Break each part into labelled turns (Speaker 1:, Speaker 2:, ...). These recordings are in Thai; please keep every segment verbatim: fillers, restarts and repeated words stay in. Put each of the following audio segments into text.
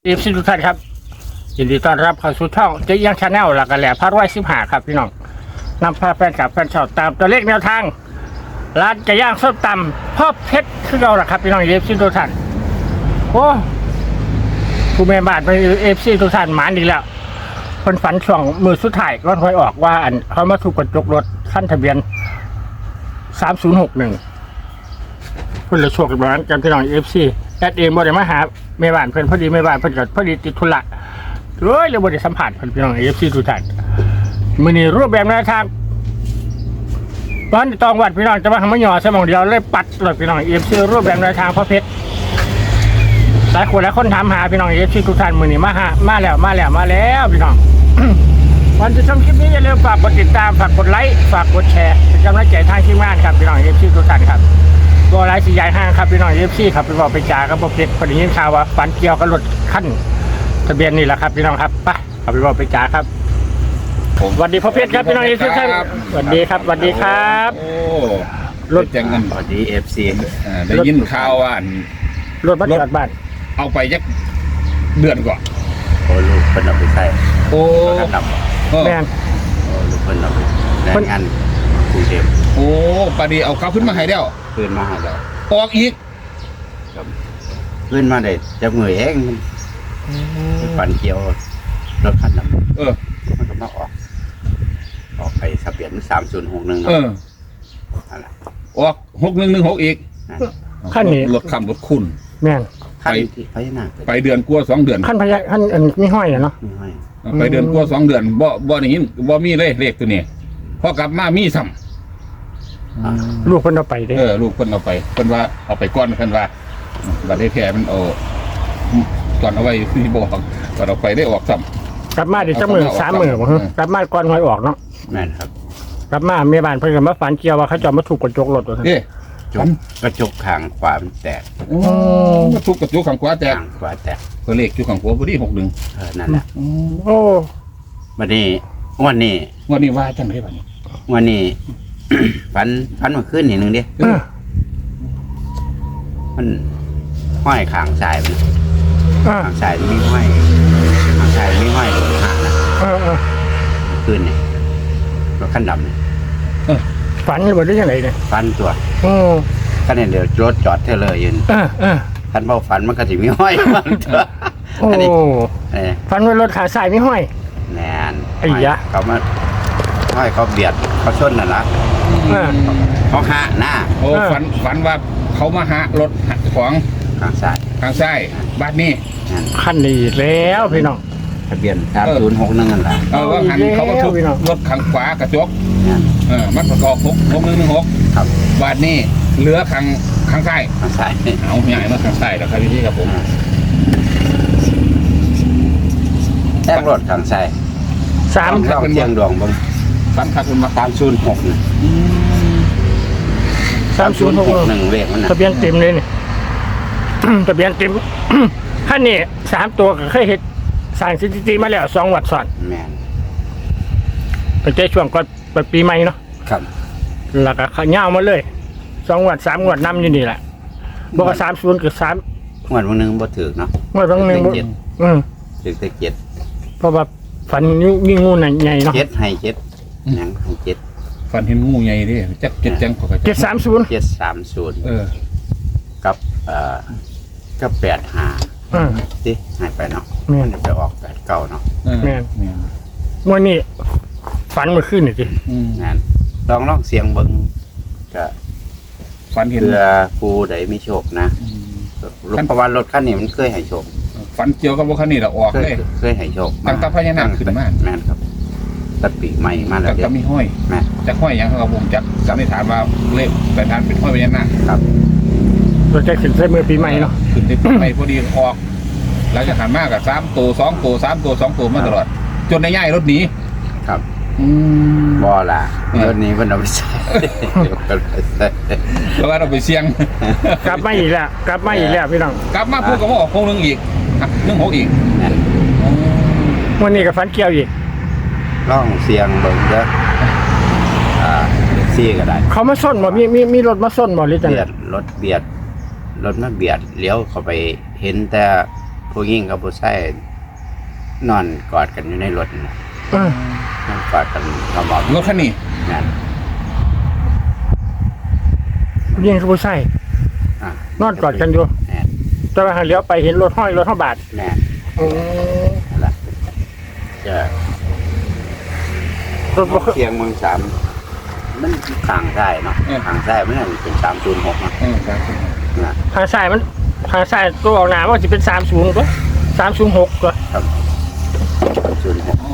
Speaker 1: เอฟซีทุกท่านครับยินดีต้อนรับเข้าสู่ช่องเจ๊ยังชาแนลหลักกระแหล่พระร้อยสิบห้าครับพี่น้องนำพาแฟนคลับแฟนชาวตามตัวเลขแนวทางร้านไก่ย่างส้มตำพ่อเพชรคือเราแหละครับพี่น้องเอฟซีทุกท่านโอ้ผู้แม่บ้านไปเอฟซีทุกท่านหมานอีกแล้วคนฝันช่วงมือสุดท้ายก็คอยออกว่าอันเขามาถูกกระจกรถขั้นทะเบียนสามศูนย์หกหนึ่งเพื่อนเลยโชคกันบ้านกันพี่น้องเอฟซีแอดเองบ่ได้มาหาแม่บ้านเพื่อนพอดีแม่บ้านเพื่อนก็พอดีติดธุระเฮ้ยเลยบ่ได้สัมผัสเพื่อนพี่น้องเอฟซีทุกท่านมื้อนี้รูปแบบแนวทางตอนตองวัดพี่น้องจะมาทำมะหยอสมองเดียวเลยปัดเลยพี่น้องเอฟซีรูปแบบแนวทางพ่อเพชรหลายคนหลายคนถามหาพี่น้องเอฟซีทุกท่านมื้อนี้มาหามาแล้วมาแล้วมาแล้วพี่น้อง วันที่ชมคลิปนี้อย่าลืมฝากกดติดตามฝากกดไลค์ฝากกดแชร์เป็นกำลังใจทางทีมงานครับพี่น้องเอฟซีทุกท่านครับตัวไลฟ์สีใหญ่ห้างครับพี่น้องเอฟซีครับไปบอกไปจ่ากับพ่อเพชรพอดียินข่าวว่าฝันเกี่ยวกับรถขั้นทะเบียนนี่แหละครับพี่น้องครับไปเอาไปบอกไปจ่าครับผมสวัสดีพ่อเพชรครับพี่น้องเอฟซีท่านสวัสดีครับสวัสดีครับ
Speaker 2: โอ้
Speaker 1: รถ
Speaker 2: จังกัน
Speaker 3: สวัสดีเอฟซี
Speaker 2: ได้ยินข่าวว่าอัน
Speaker 1: รถบัสจอดบ้าน
Speaker 2: เอาไปยักเดือนก่อน
Speaker 3: โอ้ลูกเพิ่นเอาไปใส่
Speaker 2: โอ้
Speaker 3: กระท
Speaker 2: เออ
Speaker 1: แม่น
Speaker 3: ำโอ้ลูกเพิ่นเอาไปแรงงานกรุงเทพ
Speaker 2: โอ้ปาดีเอาเขาขึ้นมาให้แล้ว
Speaker 3: คืนมาให้เรา
Speaker 2: ออกอีก
Speaker 3: ครับขึ้นมาได้จับมือเองมันฝันเกี่ยวรถคันนั้น
Speaker 2: เออ
Speaker 3: มันก็มาออก ออกไปทะเบียนสามศูนย์หกหนึ่ง
Speaker 2: เออ
Speaker 3: นั่นแหละ
Speaker 2: ออกหกหนึ่งหนึ่งหกอีก
Speaker 1: ขั้นนี้
Speaker 2: รถคำรถคุณ
Speaker 1: แม่น
Speaker 3: ขั้นที่พญานาค
Speaker 2: ไปเดือนกลัวสองเดือน
Speaker 1: ขั้นพญาขั้นอันมีห้อยอะเนาะ
Speaker 3: ไม่ให้
Speaker 2: ไปเดือนกลัวสองเดือนบ่บ่ได้ยินบ่มีเลยเลขตัวนี้พอกลับมามีซ้
Speaker 3: อ่า
Speaker 1: ลูกเพิ่นเอาไปเด้
Speaker 2: ำเออลูกเพิ่นเอาไปเพิ่นว่าเอาไปก้อนเพิ่นว่าบัดนี้แท้มันเอาก่อนเอาไว้ที่บอกก่อนเอาไปได้ออกซ้ำ
Speaker 1: กลับมาเดี๋ยวจะมือสามมือบ่ฮะกลับมาก่อนหวยออกเนาะ
Speaker 3: แม่นครับ
Speaker 1: กลับมาแม่บ้านเพิ่นก็มาฝันเกี่ยวว่าเขาจะมาถูกกระจกรถว่าซั่น
Speaker 2: เอ๊ะ
Speaker 3: จกกระจกข้างขวามันแตก
Speaker 2: โอ้ทุกกระจุกขังขวาแตก
Speaker 3: ข้างขวาแตก
Speaker 2: เพื่อเลขจุกขังขวาพอดีหกหนึ่ง
Speaker 3: เออนั่นแหละ
Speaker 1: โอ้
Speaker 3: วันนี้วันนี้
Speaker 2: วันนี้ว่าจังไรบ้าง
Speaker 3: วันนี้ ฝันฝันเมาขึ้นนิดนึงดิ
Speaker 1: เออ
Speaker 3: มันห้อยขางสายมัน
Speaker 1: เออ
Speaker 3: ขางสายมันมีห้อยขางสายมีห้อยหางนะ
Speaker 1: เออเออ
Speaker 3: ขึ้นนี่รถขั้นดำนี่
Speaker 1: ฝันหรือว่าได้ยังไงเนี่ย
Speaker 3: ฟันตัว
Speaker 1: โอ้
Speaker 3: ขั้นนี้เดี๋ยวรถจอดเทเลอร์ยืน
Speaker 1: เออเออ
Speaker 3: ขั้นเบาฝันมันก็จะมีห้อยมันตัว
Speaker 1: โอ้
Speaker 3: อันนี้เออ
Speaker 1: ฝันว่ารถขาสายมีห้อย
Speaker 3: แนน
Speaker 1: ไอ้ยะ
Speaker 3: เขามาห้อยเขาเบียดเขาชนน่ะนะ
Speaker 1: เออ
Speaker 3: เขาหะหน้า
Speaker 2: โอ้
Speaker 1: เออ
Speaker 2: ฝันฝันว่าเขามาหารถของ
Speaker 3: ขางสาย
Speaker 2: ทางซ้ายบ้านนี้
Speaker 3: นั่น
Speaker 1: ขั้นนี้แล้วพี่น้อง
Speaker 3: ทะเบียนสามศูนย์หกนั่นนั่นแหละ
Speaker 2: เออว่าหันเขามาทุบ
Speaker 1: พี่น้อง
Speaker 2: รถขังขวากระจก
Speaker 3: นั่น
Speaker 2: เออมันประกอบหกหกหนึ่งหนึ่งหก
Speaker 3: ครับ
Speaker 2: บ้านนี้เหลือขังขังซ้าย
Speaker 3: ขางสาย
Speaker 2: เอาใหญ่มาขังซ้ายแล้วครับพี่ครับผม
Speaker 3: แทงรถขางสาย
Speaker 1: สาม
Speaker 3: ต้องเชียงดวงบง
Speaker 2: ฝันคักคุณมา
Speaker 3: สามศูนย์หกนี่
Speaker 1: สามศูนย์หก
Speaker 3: หนึ่งเลขมันนะ
Speaker 1: ทะเบียนเต็มเลยนี่ ทะเบียนเต็ม ขั้นนี้สามตัวก็เคยเห็นสร้างสถิติมาแล้วสองวัดซ้อน
Speaker 3: แมน
Speaker 1: เป็นใจช่วงก่อนเปิดปีใหม่เนาะ
Speaker 3: ครับ
Speaker 1: แล้วก็ขย่าวมาเลยสองงวดสามงวดนำอยู่นี่แหละบอกว่าสามศูนย์กับสาม
Speaker 3: งวดวันหนึงบ่ถือเนาะ
Speaker 1: งวดบางหนึ่งบ่
Speaker 3: เจ็ด
Speaker 1: อืม
Speaker 3: ถือแต่เจ็ด
Speaker 1: เพราะว่าฝันยิ่งงูน่ะใหญ่เนาะ
Speaker 3: เจ็ดให้เจ็ดหยังให้เจ็ด
Speaker 2: ฝันเห็นงูใหญ่ดิจักเจ็ดจังเขาก็
Speaker 1: เจ็ดสามศูนย์
Speaker 3: เจ็ดสามศูนย์
Speaker 2: เออ
Speaker 3: กับเอ่อกับแปดห้า
Speaker 1: อ่า
Speaker 3: สิให้ไปเนาะ
Speaker 1: แม่น
Speaker 3: มันจะไปออกแปดเก้าเนาะ
Speaker 2: เออ
Speaker 1: แม่น
Speaker 2: แม่น
Speaker 1: งวดนี้ฝันเมื่อคืนนี่สิ
Speaker 2: อืม
Speaker 3: นั่นลองลองเสียงเบิ่งก็
Speaker 2: ฝันเห็น
Speaker 3: เพื่อผู้ใดมีโชคนะ
Speaker 2: อืม
Speaker 3: เพราะว่ารถคันนี้มันเคยให้โชค
Speaker 2: ฝันเกี่ยวกับว่าคันนี้เราออก
Speaker 3: เคย
Speaker 2: เลย
Speaker 3: เคยให้โชค
Speaker 2: ตั้งแต่พญานาคขึ้นมา
Speaker 3: แม่นครับตัดปีกใหม่มาแล้ว
Speaker 2: แต่
Speaker 3: เดี๋ย
Speaker 2: ก็
Speaker 3: ว
Speaker 2: มีห้อย
Speaker 3: แม่น
Speaker 2: จะห้อยอย่างเขากับผมจักสันนิษฐานว่าเลขแต่ทานเป็นห้อยพญานาค
Speaker 3: ครับ
Speaker 1: เราจะขึ้นใส่มือปีใหม่เนาะ
Speaker 2: ขึ้นได้ไปพอดีออกหลังจากหันมากกับสามตัวสองตัวสามตัวสองตัวมาตลอด จนในย่ายรถหนี
Speaker 3: ครับ
Speaker 2: อืม
Speaker 3: บ่ล่ะ
Speaker 2: เออ
Speaker 3: รถนี้มันเอาไปใส่เดี๋ยวกันไปใส่
Speaker 2: แล้วก็เราไปเสี่ยง
Speaker 1: กลับมาอีกแล้วกลับมาอีกแล้วพี่น้อง
Speaker 2: กลับมาพูดกับว่าออกโค้งหนึงอีกอ่ะหนึ่งหกอีก
Speaker 3: นั่น
Speaker 1: งวันนี้กับฝันเกี่ยวอีก
Speaker 3: ลองเสียงเบิ่งเด้ออ่าแท็กซี่ก็ได้
Speaker 1: เขามาส้นบ่มีมีมีรถมาส้นบ่หรือจัง
Speaker 3: เบี
Speaker 1: ไง
Speaker 3: ยดรถเบียดรถมาเบียดเลี้ยวเข้าไปเห็นแต่ผู้หญิงกับผู้ชายนอนกอดกันอยู่ในรถนะ
Speaker 1: เออน
Speaker 3: อนกอดกันกระบอก
Speaker 2: รถคันนี้
Speaker 3: นั่น
Speaker 1: ยิงกับผู้ชาย
Speaker 3: อ่ะ
Speaker 1: นอนกอดกันอยู่
Speaker 3: แน่น
Speaker 1: แต่ว่าหาเลี้ยวไปเห็นรถห้อยรถห้าบาท
Speaker 3: แน่น
Speaker 1: อืม
Speaker 3: นั่นล่ะจะ
Speaker 1: รถบ่เคย
Speaker 3: เสียงเมืองสามมันทางใต้เนาะทางใต้มันเป็นสามศูนย์หกนะ
Speaker 2: เออครับ
Speaker 3: นะ
Speaker 1: ทางซ้ายมันทางซ้ายตัวออกหน้าว่าจะเป็นสามศูนย์ตัวสามศูนย์หกตัว
Speaker 3: ครับสามศูนย์หก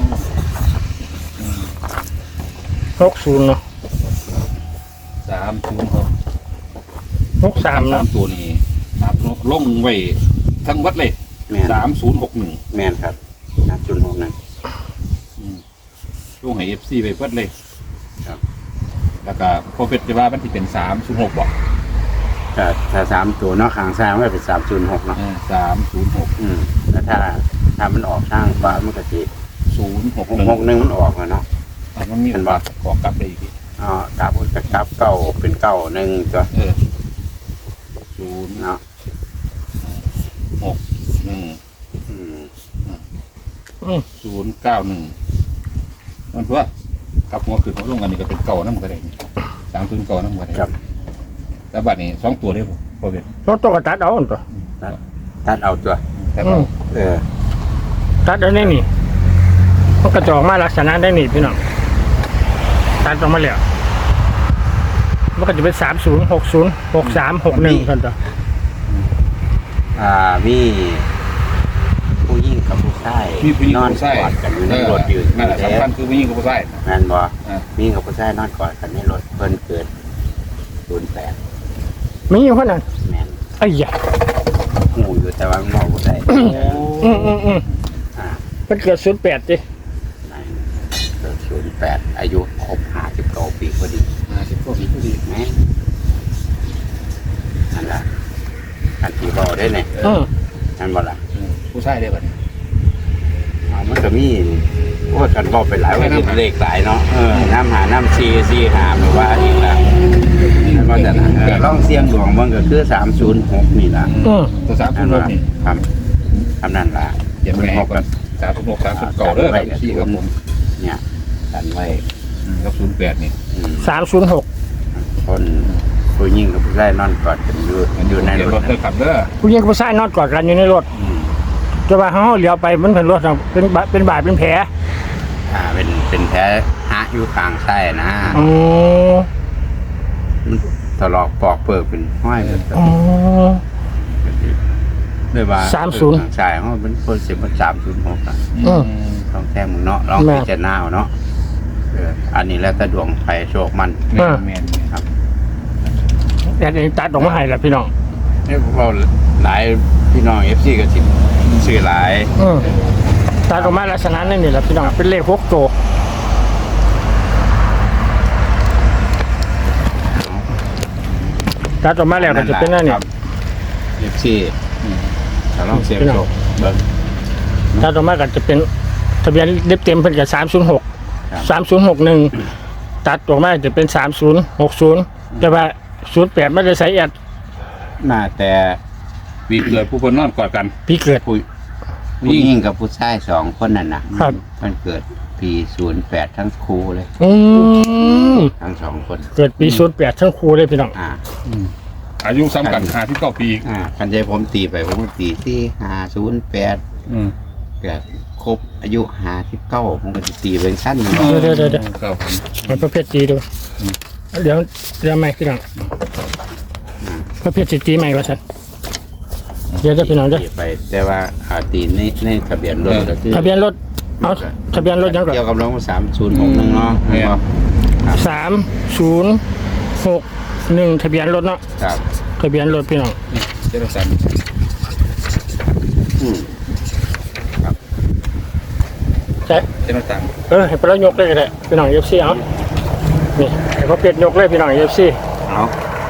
Speaker 1: หกศูนย์เนาะ
Speaker 2: สามศูนย์หก
Speaker 1: หกสาม
Speaker 2: สา
Speaker 1: เนาะ
Speaker 2: มตัวนี้ครับลงไว้ทั้งวัดเลย
Speaker 3: แม่น
Speaker 2: สามศูนย์หกหนึ่ง
Speaker 3: แม่นครับสามศูนย์หกนั่น
Speaker 2: ลงให้เอฟซีไปวัดเลย
Speaker 3: ครับ
Speaker 2: แล้วก็พอเป็นจะว่ามันที่เป็นสามศูนย์หกบอก
Speaker 3: ถ้าถ้าสามตัวเนาะข้างซ้ายมันก็เป็นสามศูนย์หกเนาะ
Speaker 2: สามศูนย์หก
Speaker 3: อืมแล้วถ้าถ้ามันออกทางฟ้ามันก็จะ
Speaker 2: ศูนย์หก
Speaker 3: หก
Speaker 2: หนึ่ง
Speaker 3: หกหนึ่งมันออกแล้วเนาะ
Speaker 2: มันมี
Speaker 3: เห็นบ่
Speaker 2: ขอกลับได้อีกที
Speaker 3: อ๋อกลับจะกลับเก้าเป็นเก้าหนึ่งตัว
Speaker 2: เออศูนย์
Speaker 3: เนาะ
Speaker 2: หกหนึ่ง
Speaker 3: อืม
Speaker 1: อืม
Speaker 2: ศูนย์เก้าหนึ่งมันเพื่อกับหัวขึ้นหัวลงอันนี้ก็เป็นเก่าน้ำกระไดสามศูนย์เก่าน้ำกระได
Speaker 3: ครับ
Speaker 2: แล้วบัดนี้สองตัวเลยผมพอเป็น
Speaker 1: รถตัวกระตัดเอาอันตัว
Speaker 3: ตัดเอาตัว
Speaker 2: แต่
Speaker 1: อื
Speaker 2: เรา
Speaker 1: ม
Speaker 3: เออ
Speaker 1: ตัดได้นี่นี่มันกระจอกมาลักษณะได้นี่พี่น้องตัดออกมาแล้วมันก็จะเป็นสามศูนย์หกศูนย์หกสามหกหนึ่งกันตัว
Speaker 3: อ่ามีผู้หญิงกับผู้ชาย
Speaker 2: มีผู้หญิง
Speaker 3: นอน
Speaker 2: ผู้ชาย
Speaker 3: กอดกันอยู่ในรถอยู่
Speaker 2: นั่นแหละ
Speaker 3: แล้ว
Speaker 2: สำคัญคือผู้หญิงกับผู้ชาย
Speaker 3: แม่นบ่
Speaker 2: อ่า
Speaker 3: มีกับผู้ชายนอนกอดกันในรถเพิ่นเกิดศูนย์แปด
Speaker 1: มีอยู่คนนั้น
Speaker 3: แม่น
Speaker 1: ไอ้ยา
Speaker 3: หูอยู่แต่ว่ามันบอกบ่ได้
Speaker 1: อืมอืมอืม
Speaker 3: อ่า
Speaker 1: มันเกิดศูนย์แปดดิ
Speaker 3: ในเกิดศูนย์แปดอายุครบห้าสิบเก้าปีพอดี
Speaker 2: อ่าสิบกว่าปีพอดี
Speaker 3: แม่นนั่นล่ะอันที่บอกได้เนี่ย
Speaker 1: อืม
Speaker 3: นั่นบ่ล่ะ
Speaker 2: เออผู้ชายได้บัดนี้
Speaker 3: เอามันก็มีโอ้ยกันบอกไปหลายวันนี้เลขหลายเนาะเออน้ำหาน้ำซีซีหาหรือว่าอีกละนั่นก็จะนะเออลองเสียงดวงมันก็คือสามศูนย์หกนี่ล่ะ
Speaker 1: อืม
Speaker 2: ตัวสามศู
Speaker 3: นั่
Speaker 2: น
Speaker 3: น
Speaker 2: ย์ห
Speaker 3: ว่าก
Speaker 2: นี่
Speaker 3: ครับทำนั่นล่ะ
Speaker 2: เขียนไว้ให้ก่อนสามศูนย์หกสามศูนย์เก่าเด้อครับพี่ครับผม
Speaker 3: เนี่ยกันไว้
Speaker 2: อืมกับศูนย์แปดนี่
Speaker 3: อืม
Speaker 1: สามศูนย์หก
Speaker 3: คนผู้หญิงกับผู้ชายนอนกอดกันอยู่
Speaker 2: มัน
Speaker 3: อ
Speaker 2: อยู่
Speaker 3: ยู่ใน
Speaker 2: ใน
Speaker 3: ร
Speaker 2: ร
Speaker 3: ถ
Speaker 2: ถเด้อครับเด้อ
Speaker 1: ผู้หญิงกับผู้ชายนอนกอดกันอยู่ในรถ
Speaker 3: อืม
Speaker 1: แต่ว่าเขาเลี้ยวไปมันเป็นรถอะเป็นบาเป็นบาดเป็นแผล
Speaker 3: อ่าเป็นเป็นแผลหะอยู่กลางไส้นะ
Speaker 1: อ๋อ
Speaker 3: มันตลอกปอกเปิกเป็นห้อยเป็น
Speaker 1: อ๋อ
Speaker 3: ด้วยว่า
Speaker 1: สามศูนย์
Speaker 3: ทางชายเขาเป็นคนเสียมาสามศูนย์หกอ่ะ
Speaker 1: อืม
Speaker 3: ลองแท้มึงเนาะลอง
Speaker 1: แม่
Speaker 3: พิจารณาเอาเนาะเอออันนี้แล้วแต่ดวงไฟโชคมัน
Speaker 2: แม่นแม่น
Speaker 3: ครับ
Speaker 1: แต่เองตัดออกมาให้แหละพี่น้อง
Speaker 3: นี่พวกเราหลายพี่น้องเอฟซีก็สิซื้อหลาย
Speaker 1: อืมตัดออกมาลักษณะนั่นนี่แหละพี่น้องเป็นเลขหกตัวตัดออกมาแล้วก็จะเป็นนั่นนี่
Speaker 3: เอฟซีถ้าลองเสียงโชคเบิ่ง
Speaker 1: ตัดออกมาก็จะเป็นทะเบียนเล็บเต็มเป็นกับสามศูนย์หก
Speaker 3: ครับ
Speaker 1: สามศูนย์หกหนึ่งตัดออกมาจะเป็นสามศูนย์หกศูนย์แต่ว่าศูนย์แปดไม่ได้ใส่แอด
Speaker 3: น่าแต่
Speaker 2: วีเกิดผู้คนนอนกอดกัน
Speaker 1: พี่เกิด
Speaker 3: ผู้ผู้หญิงกับผู้ชายสองคนนั่นนะครับ มันเกิดปีศูนย์แปดทั้งคู่เลย
Speaker 1: อืม
Speaker 3: ทั้งสองคน
Speaker 1: เกิดปีศูนย์แปดทั้งครูเลยพี่น้อง
Speaker 3: อ่า
Speaker 2: อายุซ้ำกันห้าที่เก้าปี
Speaker 3: อ่าคันใจผมตีไปผมก็ตีที่ห้าศูนย์แปด
Speaker 2: อืม
Speaker 3: เกิดครบอายุห้าสิบเก้าผมก็จะตีเป็นสั้นหนึ่ง
Speaker 1: เดี๋ยวเดี๋ยวเดี๋ยว
Speaker 2: ครับผม
Speaker 1: มันประเภทจีดูเดี๋ยวเดี๋ยวไม่พี่น้องประเภทจีใหม่ว่าสันเดี๋ยวจะพี่น้องเด้อ
Speaker 3: ตีไป แต่ว่าอาตีในในทะเบียนรถก็คือ
Speaker 1: ทะเบียนรถเอาทะเบียนรถยังก่อน
Speaker 3: เกี่ยวกับรถสามศูนย์หกหนึ่งเนาะ
Speaker 1: สามศูนย์หกหนึ่งทะเบียนรถเนาะ
Speaker 3: ครับ
Speaker 1: ทะเบียนรถพี่น้อง
Speaker 2: เจ้าสัน
Speaker 3: อืม
Speaker 1: ใช่
Speaker 2: เจ้าสัน
Speaker 1: เออให้ไปแล้วยกเลยก็ได้พี่น้องเอฟซีเอานี่ให้เขาเปลี่ยนยกเลยพี่น้องเอฟซี
Speaker 3: เอา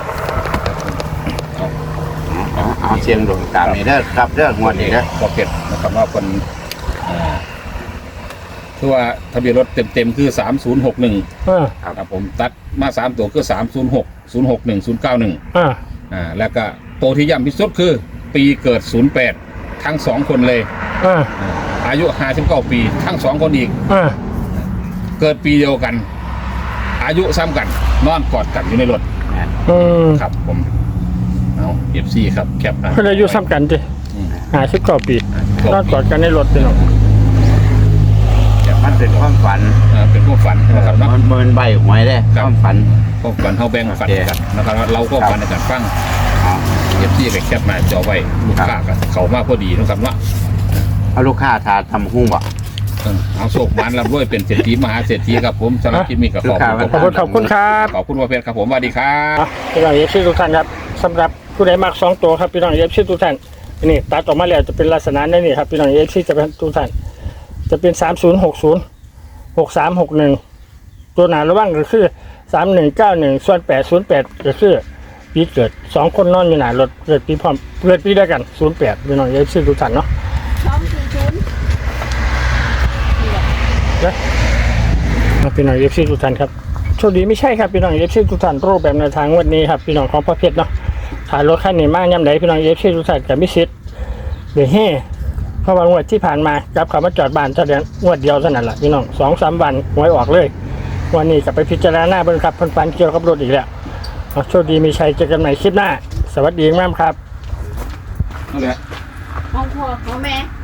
Speaker 3: เอาเอาเสียงดวงตามนี่เด้อครับเด้องวดนี้เด้อ
Speaker 2: ก็เก็ดนะครับว่าคนอ่าคือว่าทะเบียนรถเต็มๆคือสามศูนย์หกหนึ่ง
Speaker 1: อ่า
Speaker 2: ครับผมตัดมาสามตัวคือสามศูนย์หกศูนย์หกหนึ่งศูนย์เก้าหนึ่ง
Speaker 1: อ่า
Speaker 2: อ่าแล้วก็ตัวที่ย่ำที่สุดคือ ปีเกิดศูนย์แปดทั้งสองคนเลย
Speaker 1: เออ
Speaker 2: อายุห้าสิบเก้าปี ทั้งสองคนอีก
Speaker 1: เออ
Speaker 2: เกิดปีเดียวกัน อายุซ้ำกัน นอนกอดกันอยู่ในรถ
Speaker 1: อืม
Speaker 2: ครับผมเอาเอฟซีครับแคปนะ
Speaker 1: เพิ่นอายุซ้ำกันติ
Speaker 2: อืม
Speaker 1: ห้าสิบเก้าปีนอนกอดกันในรถพี่น้อง
Speaker 2: แคป
Speaker 3: มันเป็นความฝัน
Speaker 2: เออเป็นพวกฝันนะครับเนาะ
Speaker 3: มันมันใบหวยได้
Speaker 2: ค
Speaker 3: ครับ วามฝัน
Speaker 2: พวกฝันเขาแบ่งฝัน
Speaker 3: โอเค
Speaker 2: กันนะครับเราก็ฝันในการฟัง
Speaker 3: เอา
Speaker 2: เอฟซีไปแคปมาจอไว้ลูกค้ากับเขามาพอดีนะครับเนาะ
Speaker 3: เอาลูกค้าทาทำหุ้งบ่
Speaker 2: เออเอาโศกมันรับด้วยเป็นเศรษฐีมหาเศรษฐีครับผมสำหรับคลิปนี้กับขอบคุณ
Speaker 1: ขอบคุณขอบคุณครับ
Speaker 2: ขอบคุณว่าเพชรครับผมสวัสดีครับ
Speaker 1: อ่ะพี่น้องเอฟซีทุกท่านครับสำหรับผู้ใดมักสองตัวครับพี่น้องเอฟซีทุกท่านนี่ตัดออกมาแล้วจะเป็นลักษณะนี้ครับพี่น้องเอฟซีจะเป็นทุกท่านจะเป็นสามศูนย์หกศูนย์หกสามหกหนึ่งตัวหนาระว่างก็คือสามหนึ่งเก้าหนึ่งส่วนแปดศูนย์แปดก็คือปีเกิดสองคนนอนอยู่หนารถเกิดปีพร้อมเกิดปีเดียวกันศูนย์แปดพี่น้องเอฟซีทุกท่านเนาะ
Speaker 4: สองสี่ศูนย์
Speaker 1: นะพี่น้องเอฟซีทุกท่านครับโชคดีไม่ใช่ครับพี่น้องเอฟซีทุกท่านรูปแบบในวทางวันนี้ครับพี่น้องของพ่อเพชรเนาะถ่ายรถคันนี้มากย่ำใดพี่น้องเอฟซีทุกท่านกับมิสิทธิ์เดี๋ยวเฮ่เพราะว่างวดที่ผ่านมาจับเขามาจอดบ้านแสดงงวดเดียวเท่านั้นแหละพี่น้องสองสามวันหวยออกเลย วันนี้กลับไปพิจารณาเบิ่งครับเพิ่นฝันเกี่ยวกับรถอีกแล้วเอาโชคดีมีชัยเจอกันใหม่คลิปหน้า สวัสดีมากครับ
Speaker 2: นั่นแหละ
Speaker 4: ของพ่อของแม่